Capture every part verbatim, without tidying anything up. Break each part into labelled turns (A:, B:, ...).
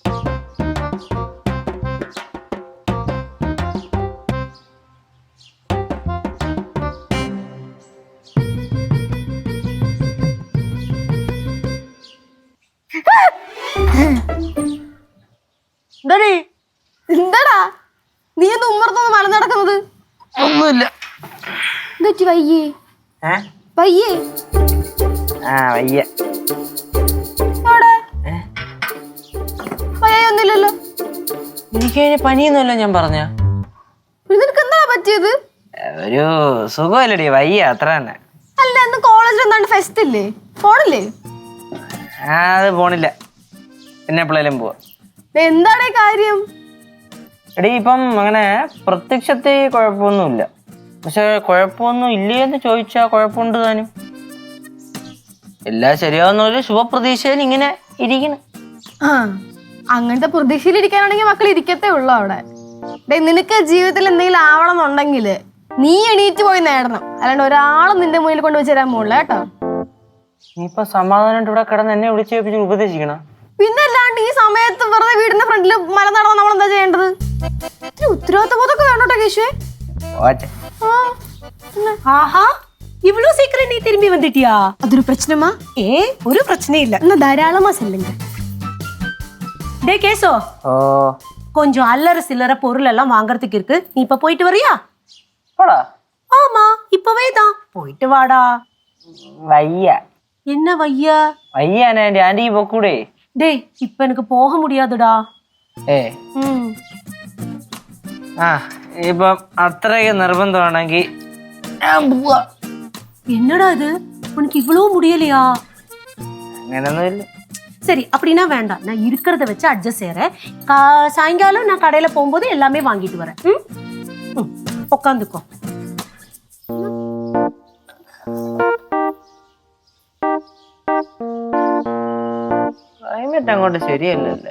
A: എന്താടാ നീ ഒന്ന് ഉമ്മർത്തൊന്ന് മല നടക്കുന്നത്?
B: ഒന്നുമില്ല.
A: എന്തുപറ്റി? വയ്യേ വയ്യേ
B: ആ വയ്യ.
A: വയ്യൊന്നുമില്ലല്ലോ.
B: എനിക്ക് പനിയൊന്നുമല്ല ഞാൻ പറഞ്ഞ.
A: നിനക്ക് എന്താ പറ്റിയത്?
B: ഒരു സുഖമല്ലടി, വയ്യ അത്ര തന്നെ.
A: അല്ല ഇന്ന് കോളേജിൽ എന്താണ്ട് ഫെസ്റ്റ് ഇല്ലേ? പോണില്ലേ?
B: ആ അത് പോണില്ല, പിന്നെ എപ്പോഴേലും പോവാ.
A: എന്താണ് കാര്യം?
B: എടീ ഇപ്പം അങ്ങനെ പ്രത്യക്ഷത്തിൽ കുഴപ്പമൊന്നുമില്ല, പക്ഷെ കുഴപ്പമൊന്നും ഇല്ലേന്ന് ചോദിച്ചാ കുഴപ്പമുണ്ട് താനും. എല്ലാം ശരിയാവുന്ന ഒരു ശുഭപ്രതീക്ഷയിൽ ഇങ്ങനെ ഇരിക്കണം.
A: ആ അങ്ങനത്തെ പ്രതീക്ഷയിൽ ഇരിക്കാനാണെങ്കിൽ മക്കൾ ഇരിക്കത്തേ ഉള്ളു അവിടെ. നിനക്ക് ജീവിതത്തിൽ എന്തെങ്കിലും ആവണം എന്നുണ്ടെങ്കിൽ നീ എണീറ്റ് പോയി നേടണം, അല്ലാണ്ട് ഒരാളും നിന്റെ മുന്നിൽ കൊണ്ട് വെച്ച് തരാൻ പോണില്ല കേട്ടോ.
B: നീ ഇപ്പൊ സമാധാനമായിട്ട് ഇവിടെ കിടന്ന് എന്നെ വിളിച്ച് ഉപദേശിക്കണം.
A: പിന്നെ അല്ലാണ്ട് ഈ സമയത്ത് വെറുതെ വീടിന്റെ ഫ്രണ്ടിൽ മല നടന്ന നമ്മൾ എന്താ ചെയ്യേണ്ടത്? ഉത്തരവാദിത്ത ബോധമൊക്കെ വേണോട്ടോ കേശുവേ.
C: ஆஹா இவ்வளவு சீக்கிரம் நீ திரும்பி வந்துட்டியா?
A: അതൊരു പ്രശ്നമാ?
C: ஏ ஒரு பிரச்சனை இல்ல.
A: എന്നാ ധാരാളമാ செல்லுங்க.
C: டே கேசோ,
B: ஓ
C: கொஞ்சம் அல்லற சில்லற பொருள் எல்லாம் வாங்குறதுக்கு இருக்கு, நீ இப்ப போயிட்டு வரியா?
B: போடா.
C: ஆமா இப்பவே தான் போயிட்டு வாடா.
B: വയ്യ.
C: என்ன வையா?
B: വയ്യാണ് ആന്റി, ആന്റി പൊക്കൂടെ?
C: டேய் இப்ப எனக்கு போக முடியாதுடா.
B: ഏ ആ ഇപ്പം അത്രയ്ക്ക് നിർബന്ധമാണെങ്കിൽ
C: என்னடா இது, உனக்கு இவ்வளவு முடியலையா?
B: അങ്ങനൊന്നുമില്ല.
C: சரி அப்படின்னா வேண்டாம், நான் இருக்கிறத வச்சு அட்ஜஸ்ட் செய்யறேன். சாயங்காலம் நான் கடையில போகும்போது எல்லாமே வாங்கிட்டு வரேன். ம் உட்காந்துக்கோ.
B: ക്ലൈമറ്റ് അങ്ങോട്ട് ശരിയല്ലല്ലോ.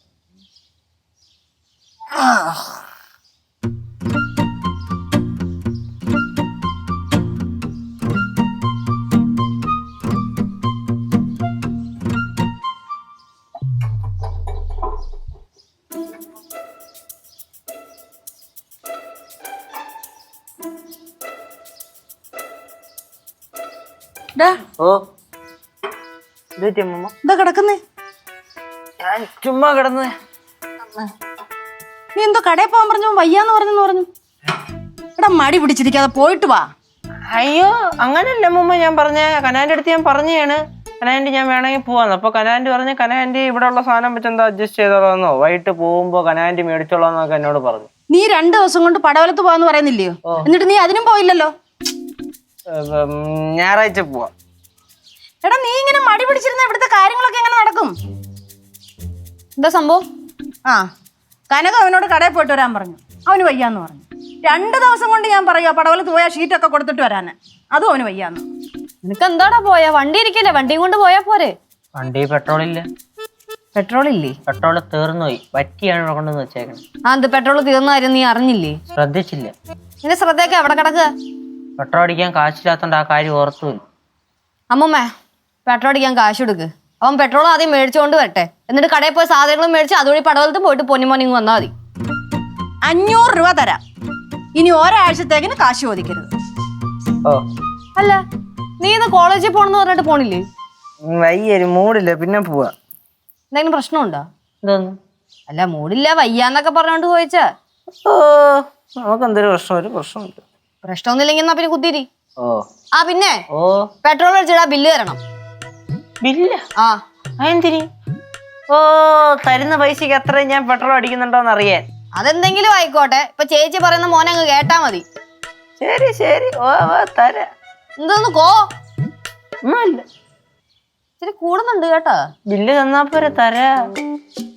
B: ഓ
A: എന്താ കിടക്കുന്നേ?
B: ഞാൻ ചുമ്മാ കിടന്ന്.
A: നീ എന്തോ കടയിൽ പോകാൻ പറഞ്ഞു, വയ്യാന്ന് പറഞ്ഞെന്ന് പറഞ്ഞു. എടാ മടി പിടിച്ചിരിക്കാതെ പോയിട്ട് വാ.
B: അയ്യോ അങ്ങനല്ല മുമ്പ് ഞാൻ പറഞ്ഞ കനാന്റെ അടുത്ത് ഞാൻ പറഞ്ഞാണ്, കനാൻറ്റി ഞാൻ വേണമെങ്കിൽ പോവാന്ന്. അപ്പൊ കനാൻറ്റി പറഞ്ഞ് കനാൻറ്റി ഇവിടെ ഉള്ള സാധനം വെച്ച് എന്താ അഡ്ജസ്റ്റ് ചെയ്തോളാന്നോ, വൈകിട്ട് പോകുമ്പോ കനാൻറ്റി മേടിച്ചോളാന്നൊക്കെ എന്നോട് പറഞ്ഞു.
A: നീ രണ്ടു ദിവസം കൊണ്ട് പടവലത്ത് പോവാന്ന് പറയുന്നില്ലയോ? എന്നിട്ട് നീ അതിനും പോയില്ലല്ലോ.
B: ഞായറാഴ്ച പോവാ.
A: എടാ നീ ഇങ്ങനെ മടി പിടിച്ചിരുന്ന ഇവിടുത്തെ കാര്യങ്ങളൊക്കെ എങ്ങനെ നടക്കും? എന്താ സംഭവം? ആ കനക അവനോട് കടയിൽ പോയിട്ട് വരാൻ പറഞ്ഞു, അവന് വയ്യാന്ന് പറഞ്ഞു. രണ്ടു ദിവസം കൊണ്ട് ഞാൻ പറയുക പടവലത്ത് പോയാൽ ഷീറ്റൊക്കെ കൊടുത്തിട്ട് വരാന്, അതും അവന് വയ്യാന്ന്.
D: നിനക്ക് എന്താടാ പോയാ? വണ്ടി ഇരിക്കല്ലേ, വണ്ടിയും കൊണ്ട് പോയാ പോരെ?
B: വണ്ടി പെട്രോൾ ഇല്ല.
D: പെട്രോൾ ഇല്ലേ?
B: പെട്രോൾ തീർന്നു പോയി, വറ്റിയാണ് ഇവിടെ കൊണ്ടുവന്ന് വെച്ചേക്കണം.
D: ആ എന്ത് പെട്രോൾ തീർന്ന കാര്യം നീ അറിഞ്ഞില്ലേ?
B: ശ്രദ്ധിച്ചില്ല.
D: നിന്റെ ശ്രദ്ധയൊക്കെ എവിടെ കിടക്കുക?
B: പെട്രോൾ അടിക്കാൻ കാശില്ലാത്തോണ്ട് ആ കാര്യം ഓർത്തുമില്ല.
D: അമ്മമ്മേ പെട്രോൾ അടിക്കാൻ കാശ് കൊടുക്ക്. അവൻ പെട്രോൾ ആദ്യം മേടിച്ചുകൊണ്ട് വരട്ടെ, എന്നിട്ട് കടയിൽ പോയി സാധനങ്ങളും മേടിച്ച് അതുവഴി പടവലത്ത് പോയിട്ട് പൊന്നിമോനിങ് വന്നാൽ മതി.
A: അഞ്ഞൂറ് രൂപ തരാം, ഇനി ഒരാഴ്ചത്തേക്കിന് കാശ് ചോദിക്കരുത്.
B: ഓ
D: അല്ല നീ ഇന്ന് കോളേജിൽ പോണെന്ന് പറഞ്ഞിട്ട് പോണില്ലേ?
B: വയ്യൊരു മൂടില്ല, പിന്നെ പോവാ.
D: എന്തെങ്കിലും പ്രശ്നമുണ്ടോ?
B: എന്തോന്നു?
D: അല്ല മൂടില്ല വയ്യാന്നൊക്കെ പറഞ്ഞോണ്ട് ചോദിച്ചാ.
B: ഓ നമുക്ക് എന്തൊരു പ്രശ്നം, ഒരു പ്രശ്നമില്ല.
D: പ്രശ്നമൊന്നുമില്ലെങ്കിൽ എന്നാ പിന്നെ കുത്തിരി.
B: ഓ
D: ആ പിന്നെ
B: ഓ
D: പെട്രോൾ അടിച്ചിടാ ബില്ല് തരണം.
B: ബില്ല?
D: ആ
B: അതെന്തിരി? ഓ തരുന്ന പൈസക്ക് എത്ര ഞാൻ പെട്രോൾ അടിക്കുന്നുണ്ടോന്ന് അറിയാൻ.
D: അതെന്തെങ്കിലും ആയിക്കോട്ടെ, ഇപ്പൊ ചേച്ചി പറയുന്ന മോനെ അങ്ങ് കേട്ടാ മതി.
B: ശരി ശരി ഓ തരാ.
D: എന്തോന്ന് കോ
B: ഒന്നുമില്ല,
D: ഇച്ചിരി കൂടുന്നുണ്ട് കേട്ടോ.
B: ബില്ല് തന്നാ പോരെ, തരാ.